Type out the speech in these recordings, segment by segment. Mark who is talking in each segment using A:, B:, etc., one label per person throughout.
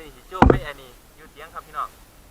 A: นี่สิโจ้ไม่อันนี้อยู่เตียงครับพี่น้อง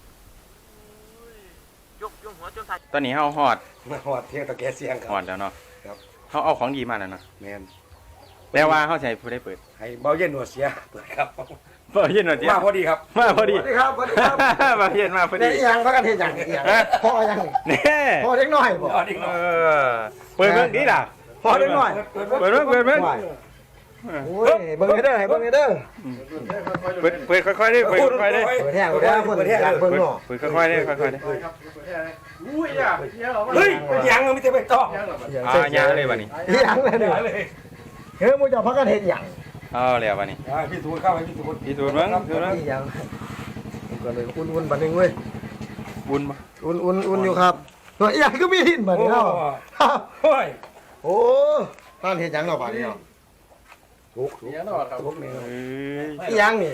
A: ยกหัวจนท้ายตอนนี้เฮาฮอด
B: เที่ยงตะแกเสียงครับ
A: ฮอดแล้วเนาะ
B: ครับ
A: เฮาเอาของดีมาแล้วเนาะ
B: แม่น
A: แต่ว่าเฮาสิให้ผู้ใดเปิด
B: ให้เบาเย็นหนวดเสียเปิดครับ
A: เปิดเย็นหน่อยเดียว
B: มาพอดีครับ
A: มาพอดี
B: ครับพอดีครับ
A: มาเย็นมาพอดี
C: เนี่ยยังพักกันเฮ็ดหยังพ่อยัง
A: นี่
C: พ่อเล็กน้อยบ่
A: เปิดเบิ่งดีล่ะ
C: พ่อเล็กน้อย
A: เปิดเบิ่ง
C: โอ้ยเบิ่งเด้อให้เบิ่งเด้อ
A: เปิดค่อยๆดิเปิดค่อยๆดิ
C: เปิดแท้เปิดแท้เพิ่นอยากเบิ่งเนาะ
A: เปิดค่อยๆดิค่อยๆดิ
B: อุ้ยอ่ะเฮ้ยยังไม่ได้ไปต่
A: ยังเลยบัดนี้
C: ยังเลยเด้อเฮ้ยมึงจะพักกันเฮ็ดหยัง
A: เอาแล้วบัดนี้
B: พี่ทูนเข้าไปพี่ทูน
A: พี่ทูนเบิ่งทูนเบิ่ง
C: ยังก็เลยอุ่นๆบัดนึงเว้ย
A: อุ่นบ่
C: อุ่นอยู่ครับตัวอีหยังก็มีหินบัดนี้เนาะ
B: โอ้ย
C: โอ้ท่านเฮ็ดหยังเนาะบัดนี้เนาะ
B: ทุกเนี่ยเนาะครับทุกเนี่ย
C: อีหยังนี่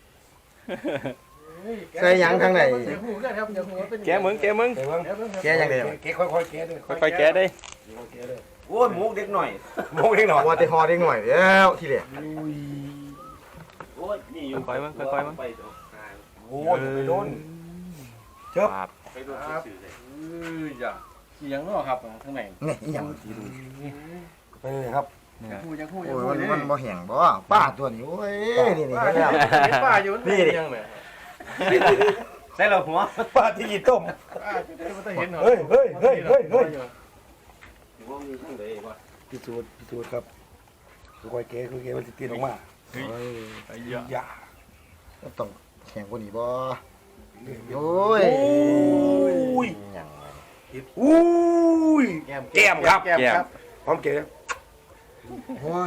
C: ใส่หยังทางไหน
A: แกมึง
C: แกยังได๋
B: แกค่อยๆแกด้วย
A: ค่อยๆแกได้
B: โอ้ยหมูเด็กหน่อยหมูเด็กหน่อย
C: ว่าแต่ฮอเด็กหน่อยแล้วทีแรก
B: โอ้ยนี่อยู่
A: ค่อยๆมึงค่อยๆมึง
B: โอ้ยไปโดนเจ็บ
A: ไปโดนซื่อๆเลย
B: จ้ะอีหยังเนาะครับข้างใน
C: นี่อีหยัง
B: ไปเลยครับ
C: โอ้ยมันบ่แห้งบ่ป้าตัวนี้โอ้ยนี่แล้ว
B: ป้าอยู่นี่ยังแหมใส่เราหัวป้าที่กินต้มเฮ้ยพิสูจน์ครับค่อยๆแกะมันสิติดออกมาอย่า
C: ต้องแข็งกว่านี้บ่โอ้ยหยัง
B: อุ้ยแก้มครับพร้อมแกะ
C: โอ้ย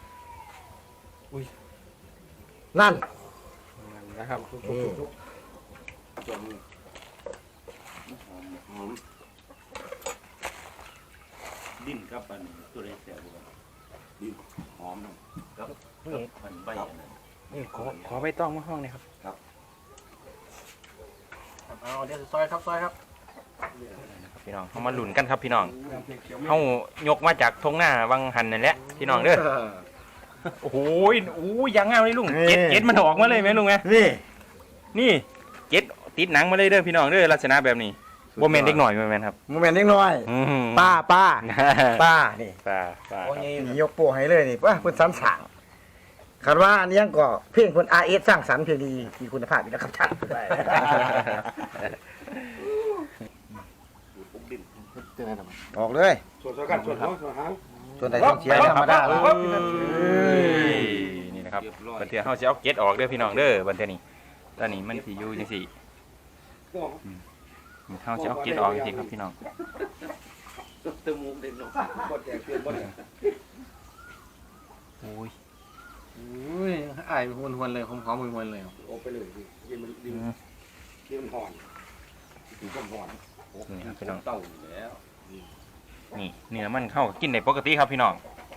C: นั่น
A: นะครับ
B: ดิ้นครับอันตัวเล็กแต่ว่าดิ้นหอมครับมันใบ
A: นี่ขอใบตองมาห้องนี่ครับ
B: ครับ
C: เอาเดี๋ยวซอยครับ
A: พี่น้องเขามาหลุนกันครับพี่น้องเขายกมาจากทงหน้าวังหันนั่นแหละพี่น้องเด้อโอ้โหยังงามเลยลุงเจ็ดมันออกมาเลยไหมลุงไงนี่เจ็ดติดหนังมาเลยเด้อพี่น้องเด้อลักษณะแบบนี้โมเมนต์เล็กหน่อยโมเมนต์ครับ
C: โมเมนต์เล็กน้อยป้านี่
A: ป้า
C: โอ้ยยกโป้ให้เลยนี่ว่าเพิ่นสรรสร้างคาดว่าอันนี้ก็เพลงเพิ่น RS สร้างสรรค์เพลงดีมีคุณภาพอยู่แล้วครับท่านออกเลย
B: ส่วนกันส่วนหาง
C: ส่วนใดต้องเสียธรรมดา
A: นี่นะครับบันเทียเขาจะเอาเก็ตออกเด้อพี่น้องเด้อบันเทียนี้ตอนนี้มันสีอยู่จังสี่เขาจะเอาเก็ตออกจริงครับพี่น้อง
B: เติมมุกเด็กน้องบดแจกเปลี่ยนบด
A: โอ้
C: ยไอ้หวนเลยหอมๆหวนเลย
B: โอ้ไปเลยยินมันห่อนถึงก็ห่อน
A: นี่ครับพี่น้อง
B: เต่าแล้ว
A: นี่เนื้อมันเข้ากินในปกติครับพี่น้อง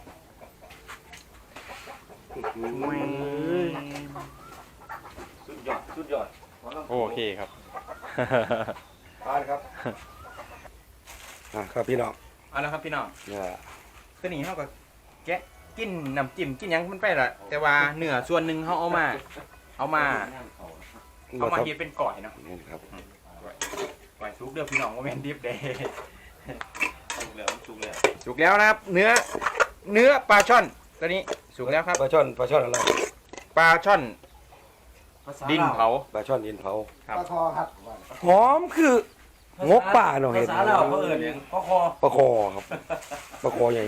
B: สุดยอด
A: โอเคครับ
B: ทานครับครับพี่น้อง
A: เอาละครับพี่น้องตัวนี้เขาก็แกะกินน้ำจิ้มกินยังมันไปละแต่ว่าเนื้อส่วนหนึ่งเขาเอามาเฮ็ดเป็นก่อยเนาะก่อยสุกเด้อพี่น้องว่าแม่นดิบเด้สุกแล้วนะครับเนื้อปลาช่อนตัวนี้สุกแล้วครับ
B: ปลาช่อนอะไร
A: ปลาช่อนดินเผา
B: ปลาช่อนดินเผา
C: ปลาคอครับ
B: หอมคืองกป่าหน่อยเห็น
C: ภาษาเราเขาเอิ้นปลาคอ
B: ครับปลาคอใหญ่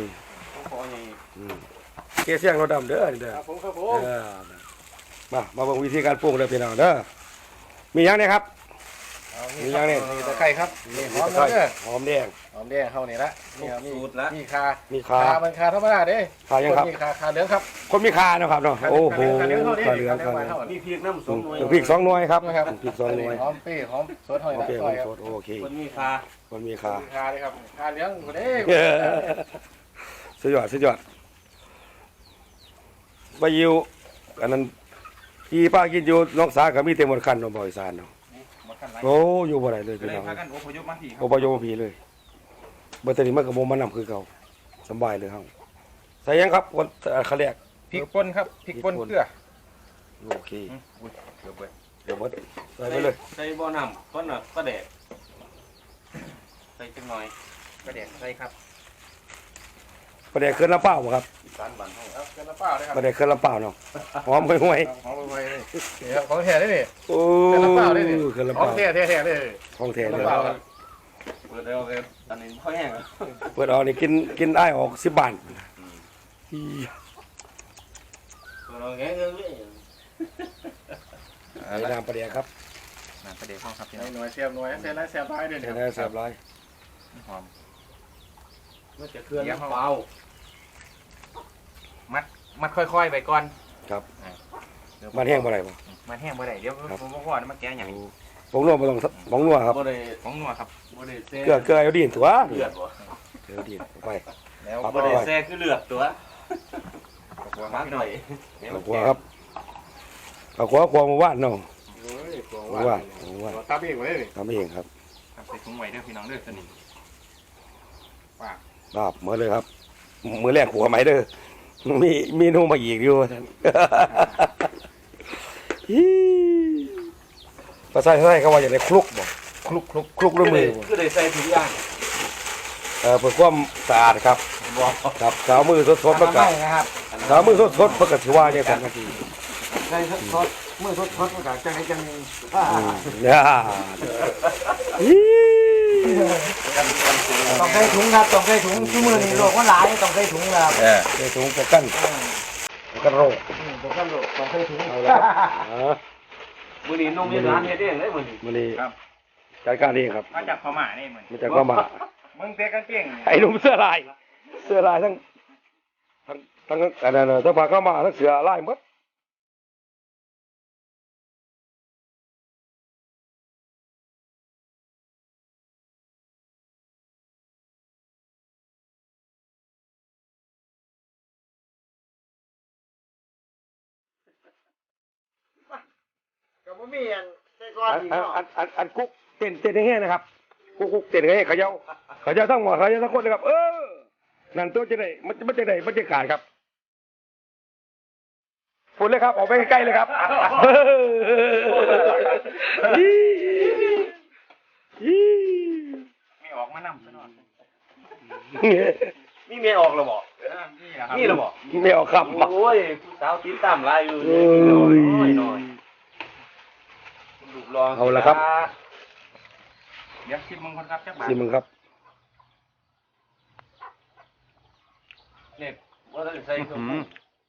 B: เกเสียงเราดำเด้อเด้อ
C: ครับผม
B: มาเบิ่งวิธีการปรุงเลยพี่น้องเด้อมียังเนี่ยครับมียังเนี่ย
C: ตะไคร้ครับนี่หอมแดง
B: หอมแดง
C: เข้านี่ละนี่สูตรละมีคามันคาธรรมดาเด้
B: คายังครับ
C: มีคาเหลืองครับ
B: คนมีคานะครับเนาะโอ้โหคาเหลือง
C: มีพริกน้ำ2 หน่วย
B: พริก2 หน่วยครับพริก2 หน่วย
C: หอมปี้หอมสดหอยละซอยครับ
B: โอเค
C: คนมีคาเลยครับคาเหลืองคนนี้
B: สุดยอดใบยิวอันนั้นพี่ป้ากินอยู่น้องสากับมีเต็มหมดคันเนาะบ่อยซานเนาะโอ้อยู่บ่ได้เลยพี่น้อง
A: อพยพมา
B: ผีเลยบ่ตอนนี้มันก็บ่มานำคือเก่าสบายเลยเฮาใส่ยังครับคนเขาเรียก
A: พริกป่นครับพริกป่นเกลือ
B: โอเค
A: อุ้ยเกือบเบิด
B: เดี๋ยวหมดใส่ไปเลย
D: ใส่บ่อน้ำก้อนน่ะก็แดดใส่จังหน่อย
A: กระเด็กใส่ครับ
B: ประเดี๋ยวเคลื่อนลำเปล่าบ่ครับ
D: อีสานบ้านเฮา
A: เอาเกลือเปล่าด้วยครับ
B: ประเดี๋ยวเคลื่อนลำเปล่าเนาะหอมห่วย
A: หอมไปเลยนี่ครับของแท้ได้นี่
B: ๆโอ้
A: เคลื่อนลำเปล่าได้นี่
B: เคลื่อนลำ
A: ข
B: เป
A: อง
B: ล่า
A: แท้แท้ๆเลย
B: ของแท้
A: เคลื่อน
B: เลย
A: ลำเปล่าครับ
D: เปิดแล้วเลยอันนี้ค่อยแห้งแล้ว
B: เปิดออกนี่กินอ้ายออก10 บาทอี
D: เปิดเอาแห้งเลย
B: ใส่น้ำประเดี๋ยวครับ
A: น้ำกระเด็กห้องครับพี่น้
C: ใส่
A: อง
C: หน่วยเสียบหน่วยใส่ไรเสียบไรเด้อ
B: ใส่
C: เนี่ย
B: ได้แซ่บหลาย
A: หอม
D: มันจะเคลื่อนเปล่า
A: มัดค่อยๆไปก่อน
B: ครับ
A: เดี๋ยว
B: มันแห้งบ่ได้บ่
A: มันแห้งบ่ได้เดี๋ยวผมบอกว่ามันแก้อย่าง
B: ผงนัวบ่ต้องผงนัวครับ
D: บ่ได้
A: ของนัวครับ
D: บ่ได้แซ่
B: เกลือไอโอดีนตัว
D: เลือดบ่
B: เกลือไอโอดีนเข้าไป
A: แล้ว
B: ครับ
D: บ่ได้แซ่คือเลือดตัว
A: ขอบคุณค
D: มา
A: รับพี่
D: ห
A: น้
D: น่
A: อ
D: อง ย
B: เอาขัวครับเอาขัวมาว่านเนาะ
C: โอ้ยกลัว
B: มา
C: ว่า
B: ว่าน
C: ตับเองไว้เลย
B: ทำเองครับ
A: ครับใส่ถุงไว้เด้อพี่น้องเด้อสนิท
B: ครับมาเลยครับ มือแรกขัวไหมเด้อมีนูมาอีกอยู่ท่าน ภาษาไทยเขาว่าอย่างไรคลุกบ่คลุกด้วยมือบ่
D: คือได้ใส่ทุกอย่าง
B: เพื่อความสะอาดครับ
D: บ่
B: ครับสาวมือสดๆเพื่อกั
C: ไม่นะครับ
B: สาวมือสดๆเพื่อกัถือว่าเนี่ยกันนาที
C: ใส่ทอดมือทอดมันก็จังไดจัง
B: เนี่ย
C: ต้องใส่ถุงครับต้องใส่ถุงที่มือนี่โรคมันหลายต้องใส่ถุงครับ
B: ในถุงกระกั้นกระโรก
C: บ่กันโรคต้องใส่ถุง
B: เอาละครับ
D: มื้อนี้น้องมีร้านเฮ็ดเองเลยมื้อนี้
B: มันนี่จัดการเองครับ
A: มาจากพม่านี่เหมือน
B: มันจะเข้ามา
A: มึงเตะกางเกง
B: ไอ้หนุ่มเสื้อลายทั้งอันนั้นทั้งผ้าเข้ามาทั้งเสื้อลายหมด
C: ก็บ่มีอันใส่ก้อนอีกเนาะ
B: อันกุ๊กเต้นแห้งๆนะครับกุ๊กเต้นแห้งเขย่าทั้งหมดเขย่าทั้งคนเลยครับนั่นตัวจะได้มันจะได้บรรยากาศครับฝุ่นเลยครับออกไปใกล้ๆเลยครับอี
A: ไม่ออกมานำซะหน่อย
D: มีเมียออกแล้วบ่
A: นี่แหละครับ
D: นี่แล้วบ่
B: ไม่เอาครับ
D: โอ้ยผู้สาวติดตามหลายอยู่
B: โอ้
D: นี่
B: ย
D: น้อยลูกรอง
B: เอาละครับ
A: เดี๋ยวชิมมึงคนครับจักบาท
B: สิมึงครับ
D: เนี่ยบ่ได้ใส่เครื่องปรุง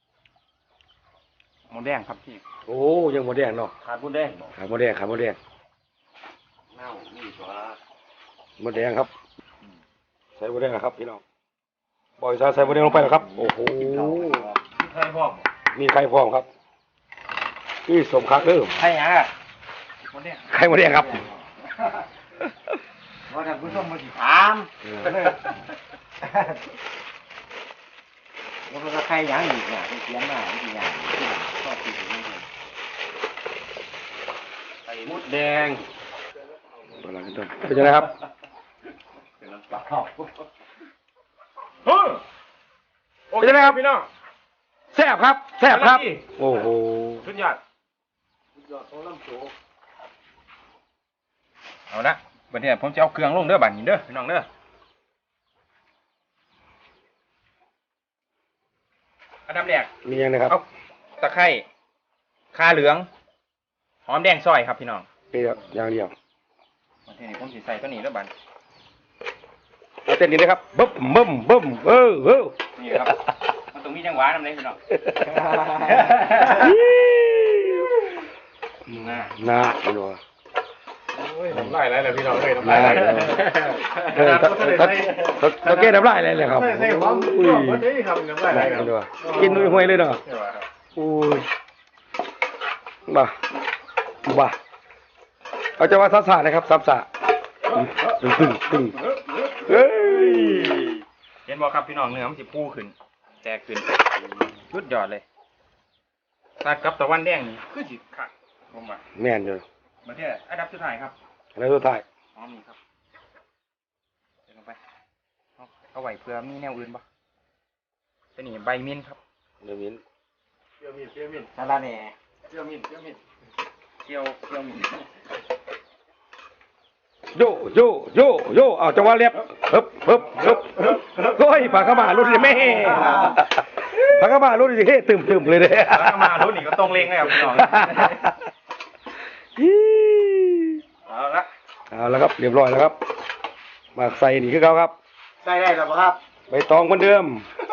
A: หมูแดงครับพี่
B: โอ้ยังหมดแดงเนาะ
D: ขาดบุญแดงบ่
B: ขาหมดแดง
D: เน่านี่ตัว
B: หมดแดงครับใส่หมดแดงครับพี่น้องบอยซาใส่หมดแดงลงไปแล้วครับโอ้โห
D: ใส่พร้อม
B: มีไข่พร้อมครับนี่สมคักเด้อ
A: ใช่ฮะหมูแดง
B: ไข่หมดแดงครับ
C: ว่าท่านผู้ชมมาสิถาม
D: แล้วมันก็ใครหยังอีกเนี่ยเขียนมาอีกอย่างชอบกินนี่ใส่มดแดง
B: อะไรกันต้นเป็นยังไงครับ
D: เป็นน้ำปลา
B: เป็นยังไงครับพี่น้องแซ่บครับแซ่บครับ โอ้โห
A: สุดยอด
D: ยอดของลำโพ
A: เอาละบัดนี้ผมจะเอาเครื่องลงเด้อบัดนี้เด้อพี่น้องเด้ออันดับแรก
B: มียังนะครับ
A: เอาตะไคร้ข่าเหลืองหอมแดงซอยครับพี่น้อง
B: นี่ครับอย่างเดียว
A: บัดนี้ผมสิใส่ตัวนี้เด้อบัด
B: เอาเต้นนี้นะครับบึ้ม
A: นี่ครับมันต้องมีจังหวะนำเลยพี่น้อง
B: น่าพี่น้อง
C: น้ำลายไหลเลยพี่น้องเลยน้ำ
B: น่า
C: ลายไหล
B: ตะเกียบน้ำลายเลยเลยครับ
C: ใส่ความ
B: อุ้ย
C: บ่ได้ครับน้ำลายไหลครับ
B: กินด้วยห้วยเลยเนาะอุ้ยบ้าเอาจะว่าซับซ่านะครับซับซ่าตึงเฮ้ย
A: เห็นบ่ครับพี่น้องเนื้อมันสิฟูขึ้นแตกขึ้นสุดยอดเลยตัดกับตะวันแดงนี่คือสิคักผมว่า
B: แม่นอยู่
A: บัดนี้อันดับสุดท้ายครับ
B: แล้วสุดท้าย
A: หอมนี่ครับใส่ลงไปเอาไว้เพื่อมีแนวอื่นบ่ตัวนี้ใบมิ้นครับ
B: เดี๋ยวมิ้น
C: สาระแหน่
A: เกี่ยวมินเกี่ยวมิน
B: โยเอาจังหวะเรียบฮึบโอ้ยปากกระมารุ่นเลยแม่ปากกระมารุ่นเลยเฮ้ตึมเลยเนี่ย
A: แล้วก็มารุ่นนี้ก็ตรงเลงเลยครับพี่น้องเอาละ
B: เอาแล้วครับเรียบร้อยแล้วครับมาใส่นี่คือเขาครับ
C: ใส่ได้แล้วบ่ครับ
B: ใบตองเหมือนเดิม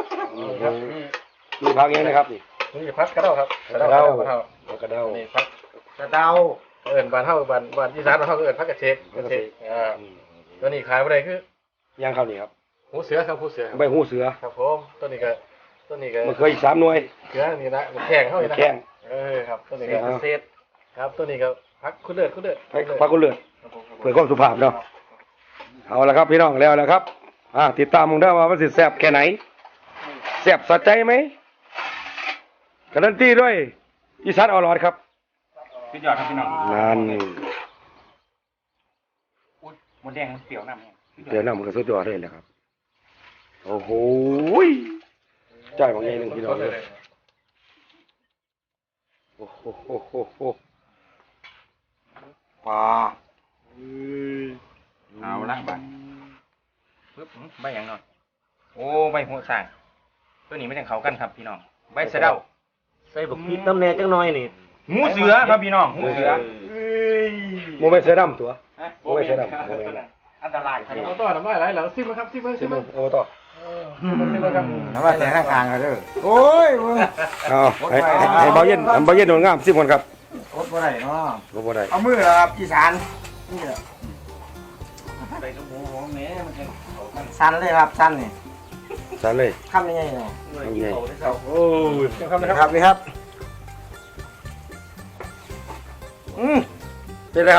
B: มีพักเองนะครับนี่
E: นี่พัดกระเด้าครับ
B: กระเด้า
E: กระเด้า
B: กระเด้า
E: นี่พัด
C: กระเดา
E: เอิ้นบ้านเฮาบ้านอีสานเฮาก็เอิ้นพัดกระเชกตัวนี้ขายบ่ได้คือย่าง
B: เข้านี่ครับ
E: หูเสือครับหูเสือครับ
B: ใบหูเสือ
E: ครับผมตัวนี้ก็
B: มันเคยอีก3 หน่วย
E: เสือนี่นะมันแข้งเฮานี่นะ
B: แข้ง
E: ครับตัวนี้
B: ครั
E: ก็
B: บ
E: เศษครับตัวนี้ก็พักคุณเลือด
B: พักกุเลือดเพื่อความสุภาพเนาะเอาละครับพี่น้องแล้วนะครับติดตามมึงได้ว่ามันสิแซ่บแค่ไหนแซ่บสะใจไหมการันตีด้วยอีสานอร่อยครับ
A: พี่ยอดครับพี่น้อง
B: นั่น
A: หมดแดงมันเปรี้ยวน้ำเนี่ย
B: เดี๋ยวน้ำมันก็สุดยอดเลยแหละครับโอ้โหใจบางอย่างหนึ่งพี่น้องเลยโอ้โหปลา
A: เอาละใบปึ๊บใบอย่างหน่อยโอ้ใบหัวสางตัวนี้ไม่ใช่เขากันครับพี่น้องใบสะเดา
D: ใส่บักพริกน้ำแหน่จังหน่อยนี่
A: หูเสือครับพี่น้องหูเสือ
B: โมเมนต์เสือดำตัวโมเมนต์เสือดำโมเมนต์
A: อันตรายครับ
E: เอาต่อน้ำลายไหลแล้วซิมครับซิม
B: ซิมโอ้ต่อ
E: ครับ
C: น้ำว่าแต่ข้างๆกันเด้อโอ้ยมึง
B: เอาให้เบาเย็นโดนงามซิมก่อนครับ
C: อดบ่ได้เนาะ
B: บ่ได้
C: เอามือเหรอครับอีสานนี่เหรอ
A: ใส่กระหมูหอมแหน่มันจะเขากัน
C: สั้นเลยครับสั้นนี่
B: สั่นเลย
C: คำยังไงเนาะ
B: ทำไง
E: โอ้ยครับนะ
C: นี่
E: ค
C: ครับ รับนี่ครับ
B: เป็นไรครับ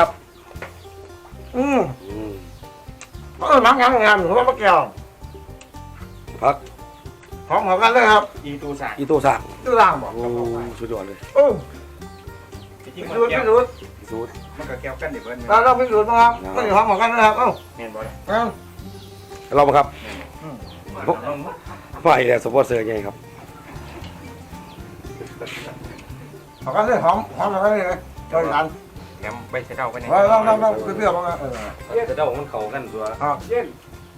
C: มักงามหัวมะแก้ว
B: พัก
C: หอมกันเลยครับ
A: อีตูสาง
B: อีตัวสั่ง
C: ตู้ล่างบอก
B: โอ้สุดยอดเลย
C: โอ้
A: จริงๆ
C: พิ
A: มัน
C: สูจน์
A: แก้
C: พิ
A: ว
C: สูจน์
B: สูตร
A: มันก็แก้วกันเดี๋ยวเบิ้ล
C: เราพิสูจน์มาครับไม่หอมกันนะครับเอ้า
A: เมนบอล
B: เรามาครับไม่แต่สปอนเซอร์ไงครับ
C: หอมกันเลยหอมกันเลยเจ้าอีสาน
A: แถมใบสะเดาไปเนี่ย
C: ลองเปรี้ยวๆบ้างเออ
D: จะเดามันเข้ากันตัว
C: เย็น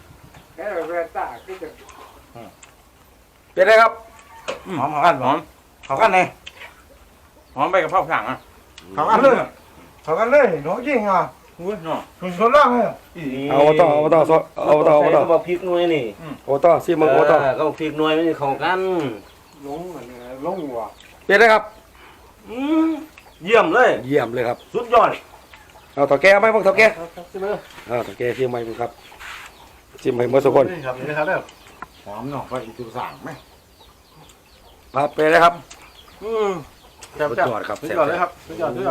B: เป็นไรครับ
C: หอมกัน
A: หอม
C: หอมกันเลย
A: หอมใบกระเพราสั่งอ่ะ
C: หอมกันเลยหนูจริงอ่ะ
A: อุ้ยเนาะ
C: คุณส่วนล่างเลย
B: เอาต่อ
D: ใส่บักพริกหน่วยนี่
B: ซิมโอต่อ
D: ก็บักพริกหน่วยมันเข้ากัน
C: ลงว่ะ
B: เป็นไรครับ
D: เยี่ยมเลย
B: เยี่ยมเลยครับ
D: สุดยอด
B: เอาต่อแก้ไหมพวกต่อแก้
E: ซิมเลย
B: ต่อแก้ซิมไหมครับซิมให้เมื่อสักคน
E: นี่ครับนี่ครับเด้อ
C: หอมเนาะไปอีกตัวสั่งไหม
B: ครับเป็นไรครับ
E: จับ
B: สุด
E: จับ
B: ยอดครับ
E: สุดยอดเลยครับสุดยอด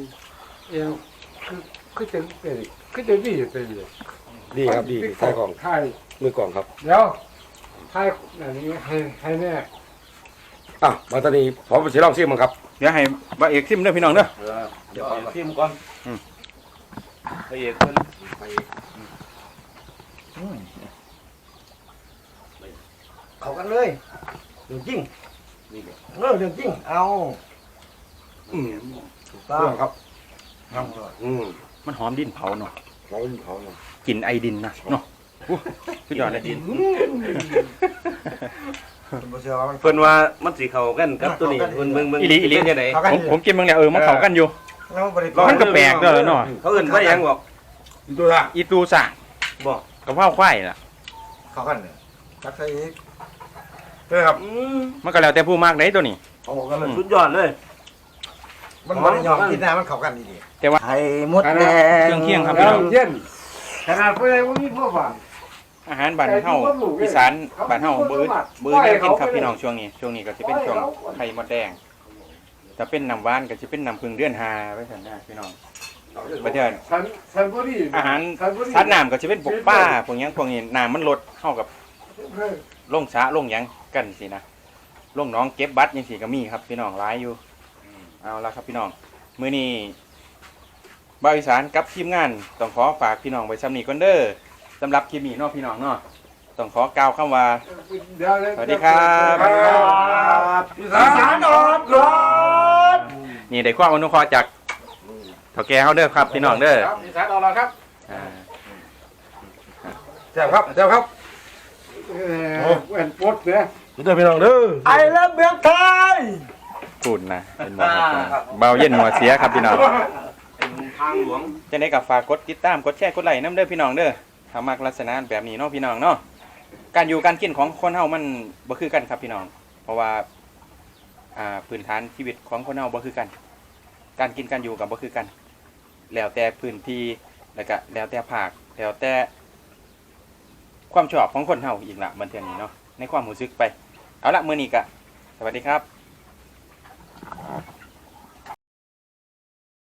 E: คือเต็มที่อยู่เต็มเลย
B: ดีครับดีใส่กล่อง
E: ไทย
B: มือกล่องครับ
E: เดี๋ยวไทยอันนี้ให้แน่
B: มาตอนนี้ผมจะลองซิมมั้งครับ
A: เดี๋ยวให้บะเอกซิมเด้อพี่น้องเด้อ
D: เดี๋ยวพิมพ์ก่อนละเอียดเพิ่น
C: เข้ากันเลยเรื่องจริงเรื่องจริงเอา
B: อืม
C: ถูก
B: เรื่องครับ
C: ต้อง
A: มันหอมดินเผาเนาะ
B: เขาเนาะ
A: กลิ่นไอดินนะเนาะพี่ยอดเลยดิน
C: คุณเชื่อว่ามัน
D: เพิ่นว่ามันสิเข้ากันกับตัวนี้เพิ่นเบิ่ง
A: อีหลี
D: เป็นจังได๋
A: ผมกินบางเนี่ยมันเข้ากันอยู่
C: น้องบริ
A: มันก็แปลกเด้อเนาะ
D: เขาเอิ้นว่าหยังบอก
B: ตัวละ
A: อีตูสั่ง
D: บอก
A: กระเพราควายล่ะ
C: เข้ากันเลยจักใส่อีก
B: ครับ
A: มันก็แล้วแต่ผู้มากได้ตัวนี้
C: เอากันเลย
D: สุดยอดเลย
C: มันบริยอมกินนะมันเข้ากันดี
A: แต่ว่า
C: ไข่มดแดง
A: เคียงๆครับพี่น้อง
E: เย็นขนาดเพื่อนว่ามีพวกบ้าน
A: อาหารบ้านเฮาอีสานบ้านเฮาบื้อแนวกินครับพี่น้องช่วงนี้ก็สิเป็นช่วงไข่มดแดงถ้าเป็นน้ำหวานก็สิเป็นน้ำผึ้งเดือน5ไว้ซั่นนะพี่น้องบัดเดี๋ยว
E: สันบุรี
A: อาหารสัตว์น้ำก็จะเป็นพวกปลาพวกหยังพวกนี้น้ำมันลดเข้ากับลงสระลงหยังกันสินะลงหน้องเก็บบัตรยังสิก็มีครับพี่น้องหลายอยู่เอาละครับพี่น้องมื้อนี้บ่าวอีสานกับทีมงานต้องขอฝากพี่น้องไว้ซ้ำนี้ก่อนเด้อสำหรับคลิปนี้เนาะพี่น้องเนาะต้องขอกล่าวคำว่าสวัสดีครับ
C: อีสานอดรถ
A: นี่ได้ความอนุเคราะห์จากเฒ่าแก่เฮาเด้อครับพี่น้องเด้อ
E: ครับอีสานเอาละครับ
A: อ่า
B: แซ่บครับแซ่บครับแหวนปดเนี่ยเด้อพี่น้องเด้อ
C: ไอ้เลิฟเมืองไทย
A: พูดนะเป็นบ่ครับเบาเย็นหัวเสียครับพี่น้อง
D: ทางหลวง
A: จังได๋ก็ฝากกดติดตามกดแชร์กดไลค์นำเด้อพี่น้องเด้อถ้ามักลักษณะแบบนี้เนาะพี่น้องเนาะการอยู่การกินของคนเฮามันบ่คือกันครับพี่น้อง เพราะว่าพื้นฐานชีวิตของคนเฮาบ่คือกัน การกินการอยู่ก็บ่คือกัน แล้วแต่พื้นที่แล้วก็แล้วแต่ภาคแล้วแต่ความชอบของคนเฮาอีกละบันเทิงนี้เนาะในความรู้สึกไปเอาละมื้อนี้ก็สวัสดีครับ